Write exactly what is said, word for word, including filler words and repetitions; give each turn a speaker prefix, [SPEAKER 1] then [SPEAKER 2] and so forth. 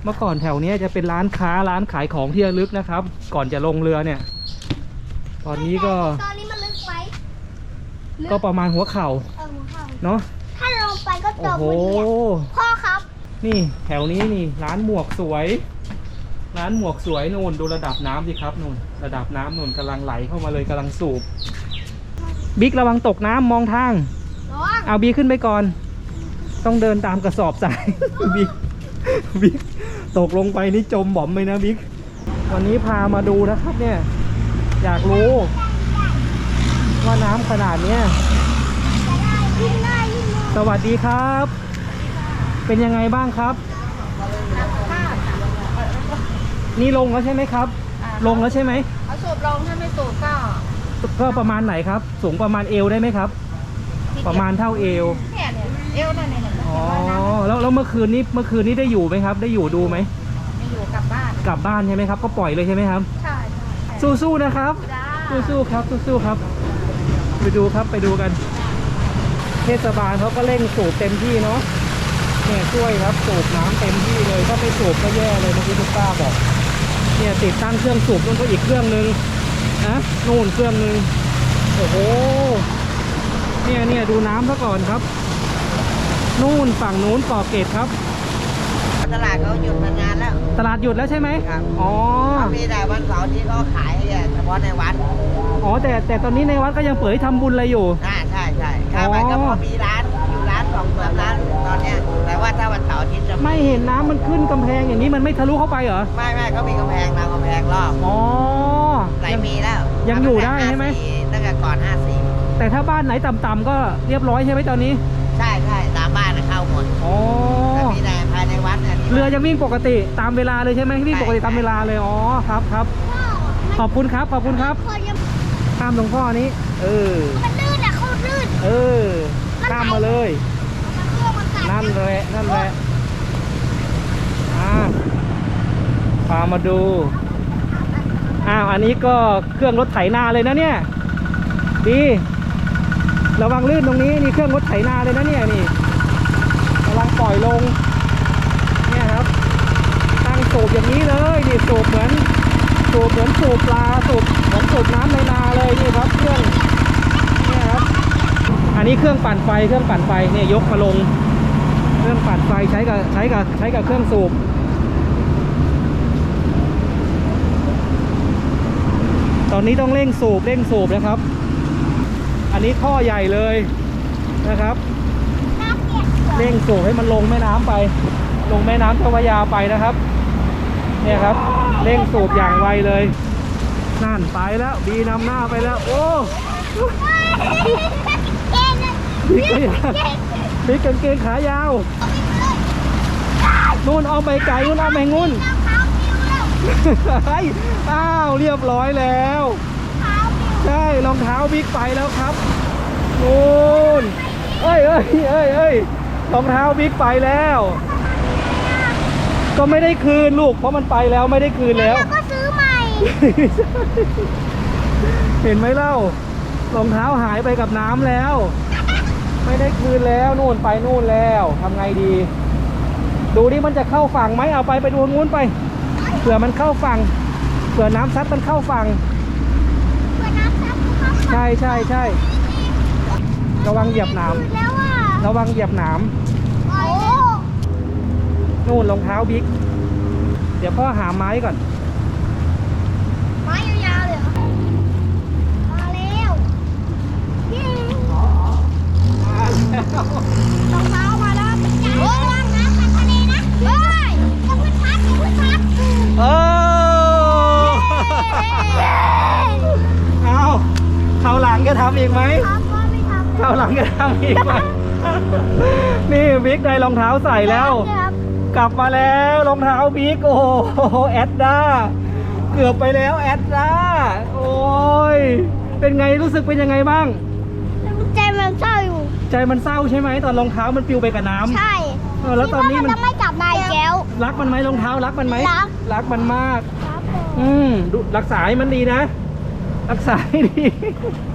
[SPEAKER 1] เมื่อก่อนแถวนี้จะเป็นร้านค้าร้านขายของที่ระลึกนะครับ ก่อนจะลงเรือเนี่ย ตอนนี้ก็
[SPEAKER 2] ตอนนี้มันลึกไหม
[SPEAKER 1] ก็ประมาณหัวเข่า
[SPEAKER 2] เออหัวเข่า
[SPEAKER 1] เนาะ
[SPEAKER 2] ถ้าลงไปก็จ
[SPEAKER 1] โอ้
[SPEAKER 2] ม
[SPEAKER 1] โห
[SPEAKER 2] พอดีพ่อครับ
[SPEAKER 1] นี่แถวนี้นี่ร้านหมวกสวย ร้านหมวกสวยนู่นดูระดับน้ำสิครับนู่นระดับน้ำนู่นกำลังไหลเข้ามาเลยกำลังสูบบิ๊กระวังตกน้ำมองทาง
[SPEAKER 2] ร้อง
[SPEAKER 1] เอาบิ๊กขึ้นไปก่อน ต้องเดินตามกระสอบทราย บิ๊กบิ๊กตกลงไปนี่จมบ่อมเลยนะบิ๊กวันนี้พามาดูนะครับเนี่ยอยากรู้ว่าน้ำขนาดเนี้ย
[SPEAKER 2] ยิ่งได้ยิ่งได้
[SPEAKER 1] สวัสดีครับ เป็นยังไงบ้างครับ นี่ลงแล้วใช่ไหมครับ ลงแล้วใช่ไหม
[SPEAKER 3] เอาสูบลงถ้าไม่สูบก็
[SPEAKER 1] ก็ประมาณไหนครับ สูงประมาณเอวได้ไหมครับ ประมาณเท่าเอว
[SPEAKER 3] เนี่ยเนี่ยเอวนั่นเนี่ย
[SPEAKER 1] อ๋อแล้วแล้วเมื่อคืนนี้เมื่อคืนนี้ได้อยู่ไหมครับ ได้อยู่ดูไหม
[SPEAKER 3] ไม่อยู่กลับบ้าน
[SPEAKER 1] กลับบ้านใช่ไหมครับ ก็ปล่อยเลยใช่ไหมครับ
[SPEAKER 3] ใช่ใช่
[SPEAKER 1] สู้ๆนะครับ
[SPEAKER 3] จ้า
[SPEAKER 1] สู้ๆครับสู้ๆครับ ไปดูครับไปดูกัน เทศบาลเขาก็เร่งสูบเต็มที่เนาะเนี่ยช่วยครับสูบน้ำเต็มที่เลยถ้าไม่สูบก็แย่เลยเมื่อกี้คุณป้าบอกเนี่ยติดตั้งเครื่องสูบนู่นก็อีกเครื่องนึงนะนู่นเครื่องนึงโอ้โหเนี่ยเนี่ยดูน้ำซะก่อนครับ นู่นฝั่งนู้นเกาะเกร็ดครับ
[SPEAKER 4] ตลาดเขาหยุดมานานแล้ว
[SPEAKER 1] ตลาดหยุดแล้วใช่ไหม
[SPEAKER 4] ครับ
[SPEAKER 1] อ๋อ
[SPEAKER 4] เขามีแต่วันเสาร์ที่เขาขายเฉพาะในวัด
[SPEAKER 1] อ๋อแต่แต่ตอนนี้ในวัดก็ยังเปิดให้ทำบุญอะไรอยู่
[SPEAKER 4] อ่าใช่ใช่ถ้ามันก็พอมีร้านอยู่ร้านสองสามร้านตอนเนี้ยแต่ว่าถ้าวันเสาร์อาทิตย์จะ
[SPEAKER 1] ไม่เห็นน้ำมันขึ้นกำแพงอย่างนี้มันไม่ทะลุเข้าไปเหรอ
[SPEAKER 4] ไม่ไม่เขามีกำแพงตามกำแพงรอบ
[SPEAKER 1] อ๋อ
[SPEAKER 4] หลายปีแล้ว
[SPEAKER 1] ยังอยู่ได้ใช่ไหม
[SPEAKER 4] ตั้งแต่ก่อนห้าสี่
[SPEAKER 1] แต่ถ้าบ้านไหนต่ำๆก็เรียบร้อยใช่ไหมตอนนี้
[SPEAKER 4] ใช่ใช่ตามบ้านน่ะเข้าหมด
[SPEAKER 1] อ๋อ
[SPEAKER 4] แต่มีแต่ภายในวัดเนี่ยที่
[SPEAKER 1] เรือยังวิ่งปกติตามเวลาเลยใช่ไหมวิ่งปกติตามเวลาเลย อ๋อครับครับ ขอบคุณครับขอบคุณครับ
[SPEAKER 2] คนยัง
[SPEAKER 1] ข้ามหลวงพ่อนี้ เออ
[SPEAKER 2] มันลื่นอะเขาลื่น
[SPEAKER 1] เออ ข้ามมาเลย
[SPEAKER 2] มันเครื่องมันกัด
[SPEAKER 1] นั่นแหละนั่นแหละอ่าพามาดู อ้าว อันนี้ก็เครื่องรถไถนาเลยนะเนี่ย ดี ระวังลื่นตรงนี้นี่เครื่องรถไถนาเลยนะเนี่ยนี่กำลังปล่อยลง เนี่ยครับ ตั้งสูบอย่างนี้เลยนี่สูบเหมือนสูบเหมือนสูบปลาสูบเหมือนสูบน้ำในนาเลยนี่ครับ เครื่อง เนี่ยครับ อันนี้เครื่องปั่นไฟเครื่องปั่นไฟเนี่ยยกมาลง เครื่องปั่นไฟใช้กับใช้กับใช้กับเครื่องสูบ ตอนนี้ต้องเร่งสูบเร่งสูบนะครับ อันนี้ท่อใหญ่เลยนะครับ
[SPEAKER 2] น้ำเปียก
[SPEAKER 1] เร่งสูบให้มันลงแม่น้ำไป ลงแม่น้ำเจ้าพระยาไปนะครับ เนี่ยครับ เร่งสูบอย่างไวเลยนั่นไปแล้วบีนำหน้าไปแล้ว โอ้
[SPEAKER 2] เก่งเลย
[SPEAKER 1] บิ๊กบิ๊กกางเกงขายาวนู่นเอาไปไก่นู่นเอาไปงุ่น
[SPEAKER 2] เท้าปิวแล้ว
[SPEAKER 1] เฮ้ยอ้าวเรียบร้อยแล้ว
[SPEAKER 2] เท้าปิว
[SPEAKER 1] ใช่รองเท้าบิ๊กไปแล้วครับนู่นเอ้ยเอ้ยเอ้ยเอ้ยรองเท้าบิ๊กไปแล้ว ก็ไม่ได้คืนลูกเพราะมันไปแล้วไม่ได้คืนแล้ว
[SPEAKER 2] แล้วก็ซื้อใหม่
[SPEAKER 1] เห็นไหมเล่ารองเท้าหายไปกับน้ำแล้ว ไม่ได้คืนแล้วนู่นไปนู่นแล้วทำไงดี ดูดิมันจะเข้าฝั่งไหมเอาไปไปดูงู้นไปเผื่อมันเข้าฝั่งเผื่อน้ำซัดมันเข้าฝั่ง
[SPEAKER 2] เพื่อน้ำซับเขา
[SPEAKER 1] ใช่ใช่ใช่ระวังเหยียบหนาม
[SPEAKER 2] แล้วอ่ะ
[SPEAKER 1] ระวังเหยียบหนาม
[SPEAKER 2] โอ้
[SPEAKER 1] นู่นรองเท้าบิ๊กเดี๋ยวพ่อหาไม้ก่อน
[SPEAKER 2] ไม้ยาวๆเลยเหรอมาแล้วเย้รองเท้ามาแล้วโอ้ยระวังนะไปทะเลนะเฮ้ยอย่าเพึ่งพัดอย่าเพึ่งพัด
[SPEAKER 1] เออเอาเขาวหลังจะทำอีกไหม
[SPEAKER 2] ทำว่าไม่ทำ
[SPEAKER 1] เขาวหลังจะทำอีกไหม นี่บิ๊กได้รองเท้าใส่แล้ว
[SPEAKER 2] ครับ
[SPEAKER 1] กลับมาแล้วรองเท้าบิ๊กโอ้โหแอดด้าเกือบไปแล้วแอดด้าโอ้ยเป็นไงรู้สึกเป็นยังไงบ้าง
[SPEAKER 2] ใจมันเศร้าอยู่
[SPEAKER 1] ใจมันเศร้าใช่ไหมตอนรองเท้ามันปลิวไปกับน้ำ
[SPEAKER 2] ใช่
[SPEAKER 1] เออแล้วตอนนี้มัน
[SPEAKER 2] คิดว่าจะไม่กลับมาอีกแล้ว
[SPEAKER 1] รักมันไหมรองเท้ารักมันไหม
[SPEAKER 2] รัก
[SPEAKER 1] รักมันมาก
[SPEAKER 2] ครับผม
[SPEAKER 1] อืมดูรักษาให้มันดีนะ รักษาให้ดี